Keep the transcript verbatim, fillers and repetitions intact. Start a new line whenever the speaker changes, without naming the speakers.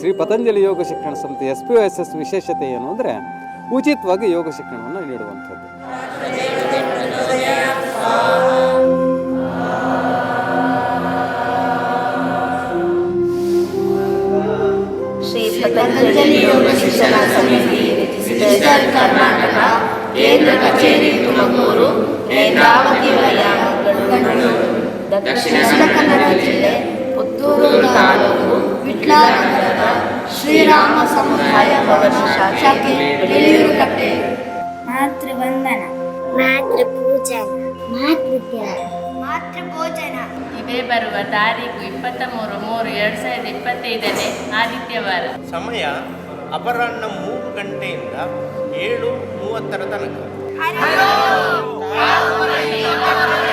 ಶ್ರೀ ಪತಂಜಲಿ ಯೋಗ ಶಿಕ್ಷಣ ಸಂಸ್ಥೆ S P S S ವಿಶೇಷತೆ ಏನು ಅಂದರೆ ಉಚಿತವಾಗಿ ಯೋಗ ಶಿಕ್ಷಣವನ್ನು ನೀಡುವಂಥದ್ದು.
ಶ್ರೀ ಪತಂಜಲಿ ಯೋಗ ಶಿಕ್ಷಣ ಸಮಿತಿ ಸ್ಟೇಟ್ ಕರ್ನಾಟಕ ಕೇಂದ್ರ ಕಚೇರಿ ತುಮಕೂರು, ನೇತ್ರಾವತಿ ವಲಯ ಮಂಗಳೂರು, ದಕ್ಷಿಣ ಕನ್ನಡ ಜಿಲ್ಲೆ ಪುತ್ತೂರು ತಾಲೂಕು ವಿಟ್ಲಾನಗರದ ಶ್ರೀರಾಮ ಸಮುದಾಯ ಭವನ ಶಾಖೆ ಬೆಳೆಯೂರುಕಟ್ಟೆ.
ಮಾತೃವಂದನ, ಮಾತೃಪೂಜನ, ಮಾತೃತ್ಯಾಗ, ಮಾತೃಭೋಜನ
ಇದೇ ಬರುವ ತಾರೀಕು ಇಪ್ಪತ್ತ ಮೂರು ಮೂರು ಎರಡು ಸಾವಿರದ ಇಪ್ಪತ್ತೈದನೇ ಆದಿತ್ಯವಾರ.
ಸಮಯ ಅಪರಾಹ್ನ ಮೂರು ಗಂಟೆಯಿಂದ ಏಳು ಮೂವತ್ತರ ತನಕ.